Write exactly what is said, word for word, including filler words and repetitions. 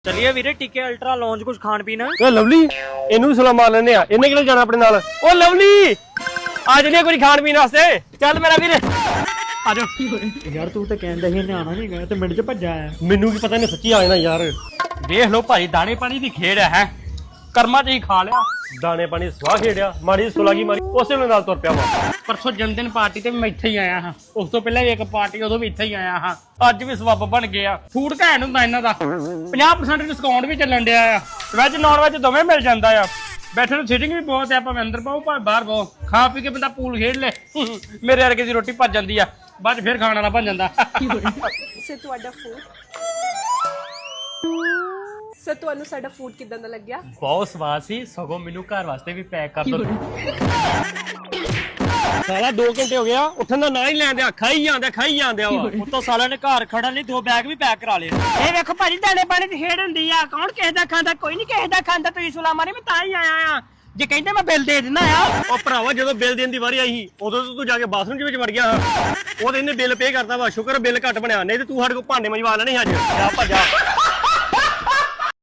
ਚੱਲੀਏ ਵੀਰੇ ਟਿੱਕੇ ultra lounge ਕੁਝ ਖਾਣ ਪੀਣ। ਓ ਲਵਲੀ ਇਹਨੂੰ ਵੀ ਸਲਾਮ ਮਾਰ ਲੈਨੇ ਆ। ਇਹਨੇ ਕਿਹੜੇ ਜਾਣਾ ਆਪਣੇ ਨਾਲ? ਓ ਲਵਲੀ ਆ ਜਲੀਏ ਕੁਝ ਖਾਣ ਪੀਣ ਵਾਸਤੇ। ਚੱਲ ਮੇਰਾ ਵੀਰ ਆ ਜਾ। ਯਾਰ ਤੂੰ ਤਾਂ ਕਹਿੰਦਾ ਸੀ ਨਿਆਣਾ ਨਹੀਂ ਗਿਆ ਤੇ ਮਿੰਟ ਚ ਭੱਜਾ ਆਇਆ। ਮੈਨੂੰ ਕੀ ਪਤਾ ਇਹਨੇ ਸੱਚੀ ਆ ਜਾਣਾ ਯਾਰ। ਦੇਖ ਲਓ ਭਾਈ ਦਾਣੇ ਪਾਣੀ ਦੀ ਖੇਡ ਹੈ। ਕਰਮਾਂ ਚ ਹੀ ਖਾ ਲਿਆ। ਦਾਣੇ ਪਾਣੀ ਸਵਾਹ ਖੇਡਿਆ, ਮਾੜੀ ਸੁਲਾਗੀ ਮਾਰੀ, ਉਸੇ ਵੇਲੇ ਨਾਲ ਤੁਰ ਪਿਆ ਵਾ। ਪਰਸੋਂ ਜਨਮਦਿਨ ਪਾਰਟੀ ਤੇ ਮੈਂ ਇੱਥੇ ਹੀ ਆਇਆ ਹਾਂ। ਉਸ ਤੋਂ ਪਹਿਲਾਂ ਵੀ ਇੱਕ ਪਾਰਟੀ ਉਦੋਂ ਵੀ ਇੱਥੇ ਹੀ ਆਇਆ ਹਾਂ। ਅੱਜ ਵੀ ਸਬੱਬ ਬਣ ਗਿਆ। ਫੂਡ ਘੈਂਟ ਹੁੰਦਾ ਇਹਨਾਂ ਦਾ। ਪੰਜਾਹ ਪਰਸੈਂਟ ਡਿਸਕਾਊਂਟ ਵੀ ਚੱਲਣ ਡਿਆ ਆ। ਵੈਜ ਨੌਨ ਵੈਜ ਦੋਵੇਂ ਮਿਲ ਜਾਂਦਾ ਆ। ਬੈਠਣ ਨੂੰ ਸੀਟਿੰਗ ਵੀ ਬਹੁਤ ਆ। ਭਾਵੇਂ ਅੰਦਰ ਪਾਓ ਭਾਵੇਂ ਬਾਹਰ ਪਾਓ। ਖਾ ਪੀ ਕੇ ਬੰਦਾ ਪੂਲ ਖੇਡ ਲੈ। ਮੇਰੇ ਵਰਗੇ ਦੀ ਰੋਟੀ ਭੱਜ ਜਾਂਦੀ ਆ, ਬਾਅਦ ਚ ਫੇਰ ਖਾਣ ਵਾਲਾ ਬਣ ਜਾਂਦਾ। ਸਰ ਤੁਹਾਡਾ ਫੂਡ ਸਰ ਤੁਹਾਨੂੰ ਸਾਡਾ ਫੂਡ ਕਿਦਾਂ ਦਾ ਲੱਗਿਆ? ਬਹੁਤ ਸਵਾਦ ਸੀ। ਸਗੋਂ ਮੈਨੂੰ ਘਰ ਵਾਸਤੇ ਵੀ ਪੈਕ ਕਰ ਦੋ। ਸਾਲਾ ਦੋ ਘੰਟੇ ਹੋ ਗਿਆ ਉੱਠਣ ਦਾ ਨਾਂ ਹੀ ਲੈਣ ਦਿਆ। ਖਾਈ ਜਾਂਦੇ ਖਾਈ ਜਾਂਦੇ ਵਾ। ਉਤੋਂ ਸਾਲਿਆਂ ਨੇ ਘਰ ਖੜਨ ਲਈ ਦੋ ਬੈਗ ਵੀ ਪੈਕ ਕਰਾ ਲਏ। ਇਹ ਵੇਖੋ ਭਾਜੀ ਦਾਣੇ ਪਾਣੀ ਦੀ ਖੇਡ ਹੁੰਦੀ ਆ। ਕੌਣ ਕਿਸੇ ਦਾ ਖਾਂਦਾ? ਕੋਈ ਨਹੀਂ ਕਿਸੇ ਦਾ ਖਾਂਦਾ। ਤੁਸੀਂ ਸੁਲਾ ਮਾਰੀ ਮੈਂ ਤਾਂ ਹੀ ਆਇਆ ਆ। ਜੇ ਕਹਿੰਦੇ ਮੈਂ ਬਿੱਲ ਦੇ ਦਿੰਦਾ ਆ। ਉਹ ਭਰਾਵਾ ਜਦੋਂ ਬਿੱਲ ਦੇਣ ਦੀ ਵਾਰੀ ਆਈ ਸੀ ਉਦੋਂ ਤੋਂ ਤੂੰ ਜਾ ਕੇ ਬਾਥਰੂਮ ਦੇ ਵਿੱਚ ਵੜ ਗਿਆ। ਉਹ ਤੇ ਇਹਨੇ ਬਿੱਲ ਪੇ ਕਰਤਾ ਵਾ। ਸ਼ੁਕਰ ਬਿੱਲ ਘੱਟ ਬਣਿਆ, ਨਹੀਂ ਤੇ ਤੂੰ ਸਾਡੇ ਕੋਲ ਭਾਂਡੇ ਮੰਜਵਾ ਲੈਣੇ ਅੱਜ। ਜਾ ਭੱਜਾ।